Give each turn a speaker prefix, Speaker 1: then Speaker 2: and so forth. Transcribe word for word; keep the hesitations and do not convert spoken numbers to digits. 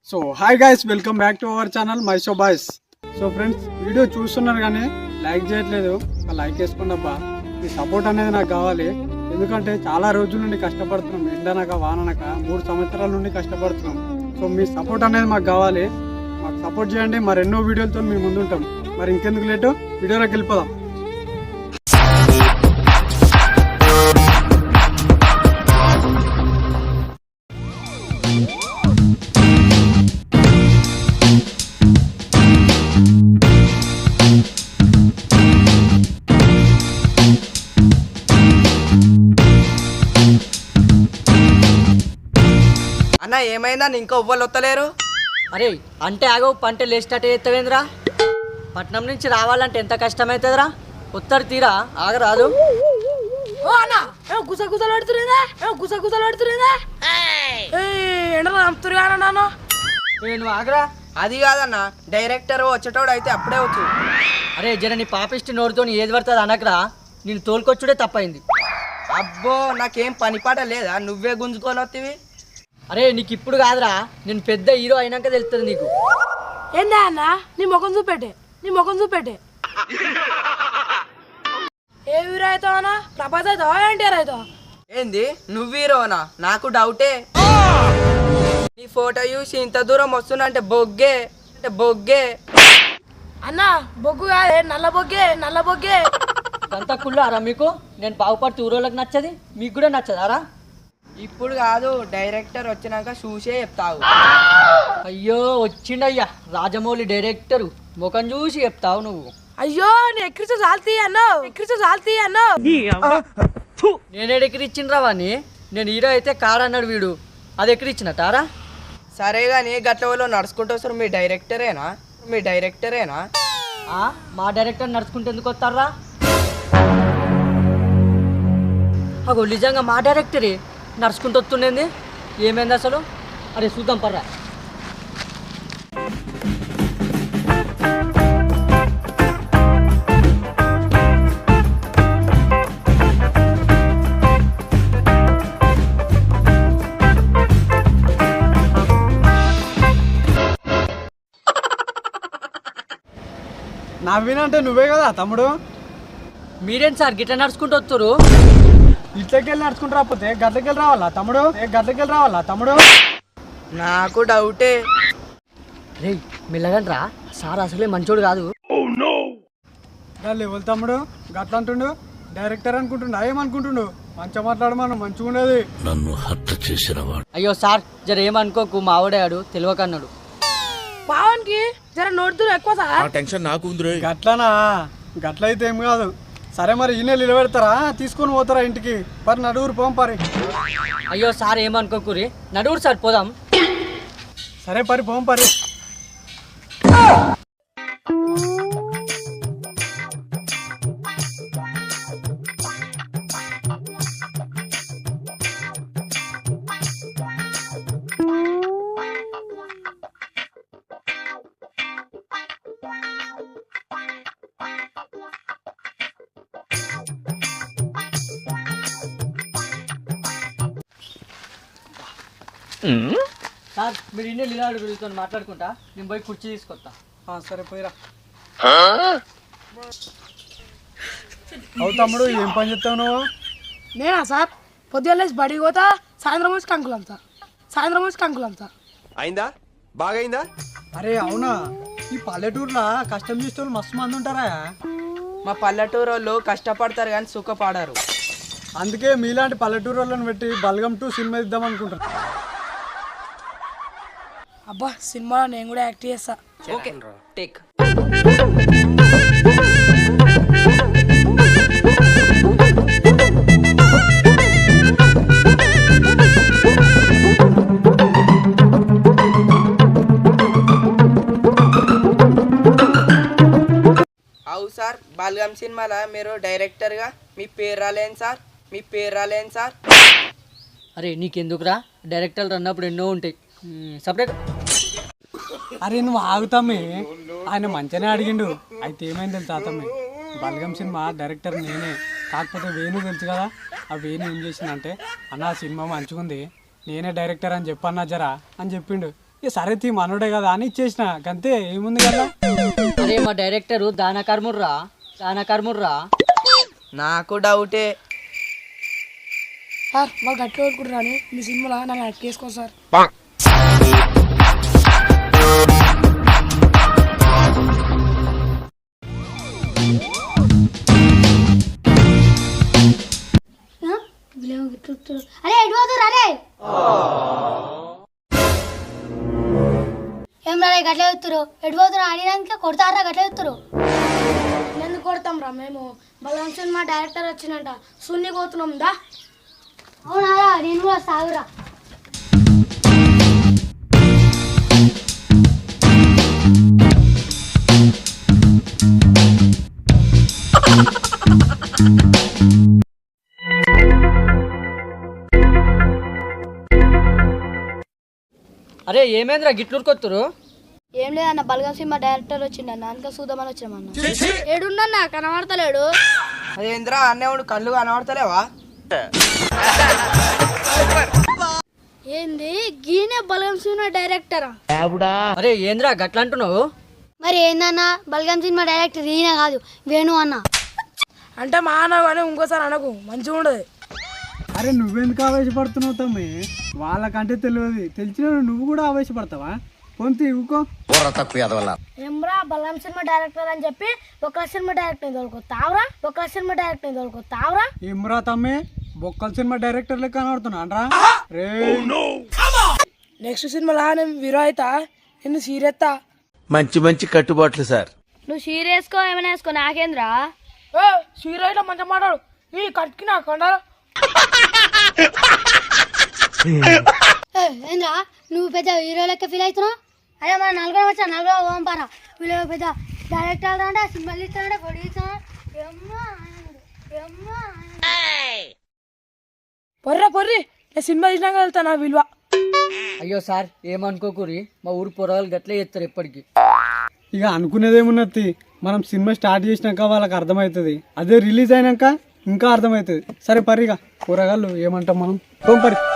Speaker 1: So hi guys, welcome back to our channel my show boys. So friends, video చూస్తున్నారు కానీ like చేయట్లేదు. ఒక like వేసుకోండి అబ్బా. మీ సపోర్ట్ అనేది నాకు కావాలి. ఎందుకంటే చాలా రోజుల నుండి కష్టపడుతున్నాం, ఎండనక వాననక మూడు సంవత్సరాల నుండి కష్టపడుతున్నాం. సో మీ సపోర్ట్ అనేది మాకు కావాలి. మాకు సపోర్ట్ చేయండి. మరి ఎన్నో వీడియోలతో మీ ముందు ఉంటాం. మరి ఇంకెందుకు లేటు, వీడియోలోకి వెళ్ళిపోదాం.
Speaker 2: అన్న ఏమైందా, ఇంకా ఎవ్వరు వస్తలేరు?
Speaker 3: అరే అంటే ఆగో పంట లేచినట్టు ఎత్తవేంద్రా? పట్నం నుంచి రావాలంటే ఎంత కష్టమవుతుందిరా? ఉత్తరు తీరా ఆగరాదు.
Speaker 4: గుస గుసలు పడుతున్నా గుస గుసలు పడుతున్నా ఎండలో నమ్ముతున్నా నాను.
Speaker 3: నేను ఆగరా.
Speaker 2: అది కాదన్న, డైరెక్టర్ వచ్చేటోడు అయితే అప్పుడే వచ్చు.
Speaker 3: అరే జర నీ పాపిష్టి నోరుతో ఏది పడుతుంది అనకరా. నేను తోలుకొచ్చుడే తప్పైంది.
Speaker 2: అబ్బో, నాకేం పని పాట లేదా, నువ్వే గుంజుకొని వస్తేవి.
Speaker 3: అరే నీకు ఇప్పుడు కాదురా, నేను పెద్ద హీరో అయినాక తెలుస్తుంది నీకు.
Speaker 4: ఏందా అన్న, నీ ముఖం చూపెట్టే నీ ముఖం చూపెట్టే ఏ హీరో అవుతావు అన్న? ప్రభాస్ అవుతావా, ఎన్టీఆర్ అవుతావా?
Speaker 2: ఏంది నువ్వు హీరోనా? నాకు డౌటే. నీ ఫోటో చూసి ఇంత దూరం వస్తున్నా బొగ్గే అంటే బొగ్గే.
Speaker 4: అన్న బొగ్గు కాదే, నల్ల బొగ్గే నల్ల బొగ్గే.
Speaker 3: అంత కుళ్ళారా మీకు? నేను బాగుపడితే ఊరోళ్ళకి నచ్చది, మీకు కూడా నచ్చదారా?
Speaker 2: ఇప్పుడు కాదు, డైరెక్టర్ వచ్చినాక చూసే చెప్తావు.
Speaker 3: అయ్యో వచ్చిండయ్యా రాజమౌళి డైరెక్టరు, ముఖం చూసి చెప్తావు నువ్వు.
Speaker 4: అయ్యో నేను ఎక్కిరిచు చాలుతీ అన్నావు ఎక్కిరిచు చాలుతీ అన్నావు.
Speaker 3: నేను ఎక్కడిచ్చిండ్రా వాణ్ణి? నేను హీరో అయితే కాడన్నాడు వీడు, అది ఎక్కడిచ్చినట్టారా?
Speaker 2: సరే కానీ గట్ల వాళ్ళు నడుచుకుంటూ వస్తారు, మీ డైరెక్టరేనా? మీ డైరెక్టరేనా?
Speaker 3: మా డైరెక్టర్ నడుచుకుంటూ ఎందుకు వస్తారా? అగో నిజంగా మా డైరెక్టరే నడుచుకుంటూ వస్తుండేది. ఏమైంది అసలు? అరే చూద్దాం పర్రా.
Speaker 1: నవ్వినంటే నువ్వే కదా తమ్ముడు.
Speaker 3: మీరేంటి సార్ గిట్ల నడుచుకుంటూ వస్తారు?
Speaker 1: ఇట్లకి వెళ్ళి నడుచుకుంటూ రాకపోతే గట్లకి వెళ్ళి రావాలా తమ్ముడు? గట్లకి వెళ్ళి రావాలా తమ్ముడు?
Speaker 2: నాకు డౌటే.
Speaker 3: రే మెల్లగండ్రా, సార్ అసలే మంచోడు కాదు.
Speaker 1: లెవెల్ తమ్ముడు గట్ల అంటుండు. డైరెక్టర్ అనుకుంటుండు, ఏమనుకుంటుండు? మంచిగా మాట్లాడమను, మంచిగా ఉండేది.
Speaker 5: నన్ను హత్య చేసిన వాడు.
Speaker 3: అయ్యో సార్ జర ఏమనుకోకు, మావిడాడు తెలియకన్నాడు.
Speaker 4: పావన్కి జర నోడుతూ ఎక్కువ సార్.
Speaker 5: టెన్షన్ నాకు ఉంది.
Speaker 1: గట్లనా? గట్లయితే ఏం కాదు. సరే మరి ఈ నెల నిలబెడతారా, తీసుకొని పోతారా ఇంటికి? పరి నడుగురు పోం పరి.
Speaker 3: అయ్యో సార్ ఏమనుకోకురి, నడువురు సార్ పోదాం.
Speaker 1: సరే పరి పోం పరి.
Speaker 3: సార్ మీరు ఇన్ని లీలాడు వీళ్ళతో మాట్లాడుకుంటా, నేను పోయి కుర్చీ తీసుకొస్తా.
Speaker 1: సరే పోయిరా. అవు తమ్ముడు, ఏం పని చెప్తావు నువ్వు?
Speaker 4: నేనా సార్? పొద్దున్న లేచి బడికి పోతా, సాయంత్రం వచ్చి కంకులు అమ్ముతా సాయంత్రం వచ్చి కంకులు అమ్ముతా.
Speaker 6: అయిందా? బాగైందా?
Speaker 1: అరే అవునా, ఈ పల్లెటూరులో కష్టం చేసే వాళ్ళు మస్తు మంది ఉంటారా?
Speaker 2: మా పల్లెటూరు వాళ్ళు కష్టపడతారు కానీ సుఖపడరు.
Speaker 1: అందుకే మీలాంటి పల్లెటూరు వాళ్ళని పెట్టి బల్గం టూ సినిమా ఇద్దాం అనుకుంటారు.
Speaker 4: అబ్బా సినిమాలో నేను కూడా యాక్ట్ చేస్తా.
Speaker 2: Okay take. అవు సార్, బాల్గం సినిమాలో మీరు డైరెక్టర్గా మీ పేరు రాలేను సార్, మీ పేరు రాలేను సార్.
Speaker 3: అరే నీకెందుకురా, డైరెక్టర్లు అన్నప్పుడు ఎన్నో ఉంటాయి. సపరేట్.
Speaker 1: అరే నువ్వు ఆగుతామే, ఆయన మంచిగానే అడిగిండు. అయితే ఏమైంది తెలుసా తమ్మి, బల్గం సినిమా డైరెక్టర్ నేనే. కాకపోతే వేణు తెలుసు కదా, ఆ వేణు ఏం చేసిందంటే, అన్న సినిమా మంచిగుంది, నేనే డైరెక్టర్ అని చెప్పన్నా జరా అని చెప్పిండు. ఇక సరే తీ మనోడే కదా అని ఇచ్చేసిన అంతే ఏముంది కదా.
Speaker 3: అరే మా డైరెక్టరు దాన కర్ముర్రా దాన కర్ముర్రా
Speaker 2: నాకు డౌటే.
Speaker 4: సార్ వాళ్ళు గట్టి కోరుకుంటారని మీ సినిమాలో నన్ను యాక్ట్ చేసుకో సార్.
Speaker 7: అరే ఎటు పోతురు అరే ఏం రా గట్ల ఎత్తురు ఎటు పోతురు అడిగినాక కొడతారా గట్ల ఎత్తురు
Speaker 4: ఎందుకు కొడతాం రా మేము బలరాం సినిమా డైరెక్టర్ వచ్చిందంట సున్ని పోతున్నాం దా.
Speaker 7: అవునారా నేను కూడా సాగురా.
Speaker 3: అరే ఏమేంద్రా గిట్లూరుకొత్తురు?
Speaker 7: ఏం లేదన్న బలగం సినిమా డైరెక్టర్ వచ్చిండన్న అందుకే చూద్దామని వచ్చామన్న. ఏడుండన్న కనబడతలేడు.
Speaker 2: అదేంద్రా అన్నేవాడు కళ్ళు కనబడతలేవా?
Speaker 7: ఏంది గీనే బలగం సినిమా డైరెక్టరా?
Speaker 3: అరే ఏంద్రా గట్ల అంటున్నావు?
Speaker 7: మరి ఏందన్న బలగం సినిమా డైరెక్టర్ ఈయన కాదు వేణు అన్న.
Speaker 4: అంటే మా అన్న కానీ ఇంకోసారి అనకు మంచిగా ఉండదు.
Speaker 1: అరే నువ్వెందుకు ఆవేశపడుతున్నావు తమ్మి? వాళ్ళకంటే తెలియదు, తెలిసిన నువ్వు కూడా ఆవేశపడతావా? పొంతి ఊకో.
Speaker 7: ఏమ్రా బలగం సినిమా డైరెక్టర్ అని చెప్పి ఒక సినిమా డైరెక్టర్ తోలుకొస్తావురా ఒక సినిమా డైరెక్టర్ తోలుకొస్తావురా.
Speaker 1: ఏమ్రా తమ్మి బొక్కల సినిమా డైరెక్టర్ లెక్క కనబడుతున్నా రే.
Speaker 4: నెక్స్ట్ సినిమాలో నేను హీరో అవుతా, నిన్ను సీరియస్తా.
Speaker 5: మంచి మంచి కట్టుబాట్లు సార్.
Speaker 7: నువ్వు సీరియస్కో ఏమైనా వేసుకో నాకేంద్రా.
Speaker 4: ఏ హీరో అయితే మంచిగా మాట్లాడు. నీ కట్కి నా కొండ
Speaker 7: ఏంద్రా నువ్వు పెద్ద హీరో లెక్క ఫీల్ అవుతున్నావు. అదే మన నలుగురు వచ్చా నలుగురు ఓంపారా వీళ్ళు పెద్ద డైరెక్టర్ అంటే సినిమాలు ఇస్తానంటే పొడి ఇస్తాను.
Speaker 4: పొర్రా పొర్రి నేను సినిమా తీసినాక వెళ్తా నా విలువ.
Speaker 3: అయ్యో సార్ ఏమనుకోకూరి, మా ఊరు పొరగాలు గట్లే చేస్తారు ఎప్పటికీ.
Speaker 1: ఇక అనుకునేదేమున్నది, మనం సినిమా స్టార్ట్ చేసినాక వాళ్ళకి అర్థమవుతుంది, అదే రిలీజ్ అయినాక ఇంకా అర్థమవుతుంది. సరే పరిగా కూరగాయలు ఏమంటాం మనం, పోం పరి.